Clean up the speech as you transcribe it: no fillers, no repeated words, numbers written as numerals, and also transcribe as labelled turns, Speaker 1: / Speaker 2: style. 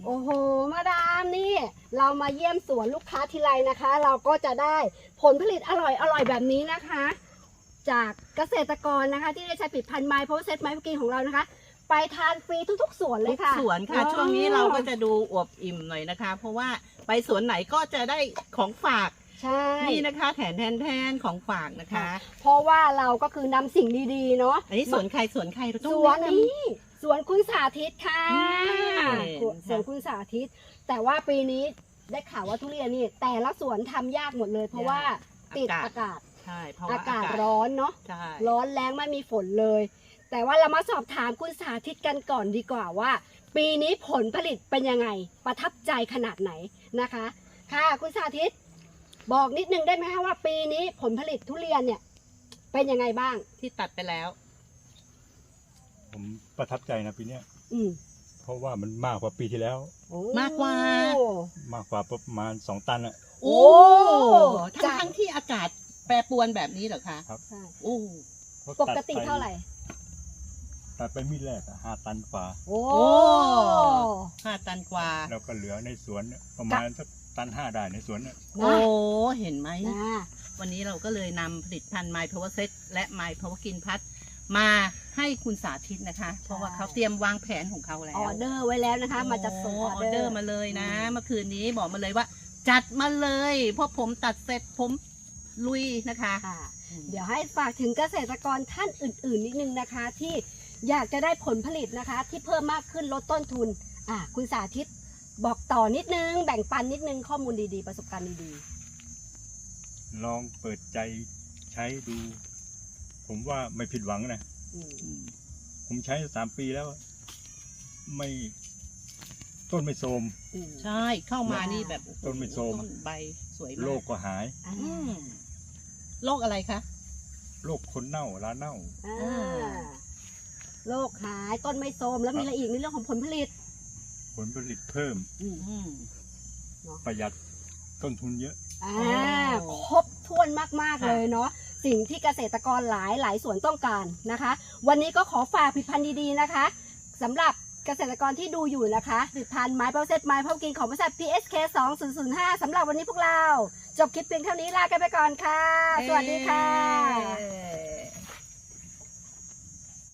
Speaker 1: โอ้โหมาดามนี่เรามาเยี่ยมสวนลูกค้าทีไรนะคะ เราก็จะได้ผลผลิตอร่อยแบบนี้นะคะ จากเกษตรกรนะคะที่ได้ใช้ผลิตภัณฑ์ไมโพเซตไมโพกินของเรานะคะ ไปทานฟรีทุกๆสวนเลยค่ะ
Speaker 2: ทุกสวนค่ะช่วงนี้เราก็จะดูอวบอิ่มหน่อยนะคะ เพราะว่าไปสวนไหนก็จะได้ของฝาก
Speaker 1: ใช่
Speaker 2: นี่นะคะแทนของฝากนะคะ
Speaker 1: เพราะว่าเราก็คือนำสิ่งดีๆเนาะ
Speaker 2: อันนี้สวนใครเราต้อง
Speaker 1: สวน
Speaker 2: แะำ
Speaker 1: นี้สวนคุณสาธิตค่ะ
Speaker 2: อืม
Speaker 1: สวนคุณสาธิต แต่ว่าปีนี้ได้ข่าวว่าทุเรียนนี่แต่ละสวนทำยากหมดเลย เพราะว่าติดอากาศ
Speaker 2: ใช่เพราะว่า
Speaker 1: อากาศร้อนเนาะ
Speaker 2: ใช่
Speaker 1: ร้อนแรงไม่มีฝนเลย แต่ว่าเรามาสอบถามคุณสาธิตกันก่อนดีกว่าว่า ปีนี้ผลผลิตเป็นยังไงประทับใจขนาดไหนนะคะ ค่ะคุณสาธิต บอกนิดนึงได้ไหมคะว่าปีนี้ผลผลิตทุเรียนเนี่ยเป็นยังไงบ้าง
Speaker 2: ที่ตัดไปแล้ว
Speaker 3: ผมประทับใจนะปีเนี้ย
Speaker 1: อืม
Speaker 3: เพราะว่ามันมากกว่าปีที่แล้ว
Speaker 1: โอ้
Speaker 2: มากกว่า
Speaker 3: มากกว่าประมาณ2 ตันอะ
Speaker 2: โอ้
Speaker 1: จาก
Speaker 2: ทั้งที่อากาศแปรปรวนแบบนี้เหรอคะ
Speaker 1: ใช่
Speaker 2: โอ้
Speaker 3: เพราะ
Speaker 1: ปกติเท่าไหร่
Speaker 3: ตัดไปมีดแรกอะ5 ตันกว่า
Speaker 1: โอ้
Speaker 2: 5 ตันกว่า
Speaker 3: แล้วก็เหลือในสวนเนี่ยประมาณสัก1.5 ตันได้ในสวนเนี่ย
Speaker 2: โอ้เห็นไหม
Speaker 1: นะ
Speaker 2: วันนี้เราก็เลยนำผลิตภัณฑ์ My Power Set และ My Power กินพัดมาให้คุณสาธิตนะคะ เพราะว่าเขาเตรียมวางแผนของเขาแล้ว
Speaker 1: ออเดอร์ไว้แล้วนะคะ มาจะส่งออเดอร์
Speaker 2: มาเลยนะ เมื่อคืนนี้บอกมาเลยว่า จัดมาเลยเพราะผมตัดเสร็จผมลุยนะคะ
Speaker 1: ค่ะ เดี๋ยวให้ฝากถึงเกษตรกรท่านอื่นๆนิดนึงนะคะ ที่อยากจะได้ผลผลิตนะคะ ที่เพิ่มมากขึ้นลดต้นทุนคุณสาธิตบอกต่อนิดนึง แบ่งปันนิดนึงข้อมูลดีๆประสบการณ์ดี
Speaker 3: ลองเปิดใจใช้ดู ผมว่าไม่ผิดหวังนะ
Speaker 1: ๆอืม
Speaker 3: ผมใช้3 ปีแล้ว ไม่ต้นไม่โทรม
Speaker 1: อืม
Speaker 2: ใช่เข้ามานี่แบบ
Speaker 3: ต้นไม่โทรม
Speaker 2: ต้นใบสวยมาก
Speaker 3: โรคก็หาย
Speaker 1: อ่า
Speaker 2: อืมโรคอะไรคะ
Speaker 3: โรคคนเน่าราเน่า
Speaker 1: อ่าโรคหายต้นไม่โทรมแล้วมีอะไรอีกในเรื่องของผลผลิต
Speaker 3: ผลผลิตเพิ่ม
Speaker 1: อืม
Speaker 2: อืม
Speaker 3: ประหยัดต้นทุนเยอะ
Speaker 1: อ่า
Speaker 2: โอ้
Speaker 1: ครบถ้วนมากๆ
Speaker 2: ค่ะ
Speaker 1: เลยเนาะสิ่งที่เกษตรกรหลายส่วนต้องการนะคะ วันนี้ก็ขอฝากผลิตภัณฑ์ดีๆนะคะสำหรับเกษตรกรที่ดูอยู่นะคะผลิตภัณฑ์ไม้เปาเซตไม้พบกินของบริษัท PSK 2005สำหรับวันนี้พวกเรา จบคลิปเพียงเท่านี้ลากันไปก่อนค่ะ สวัสดีค่ะ
Speaker 2: เย้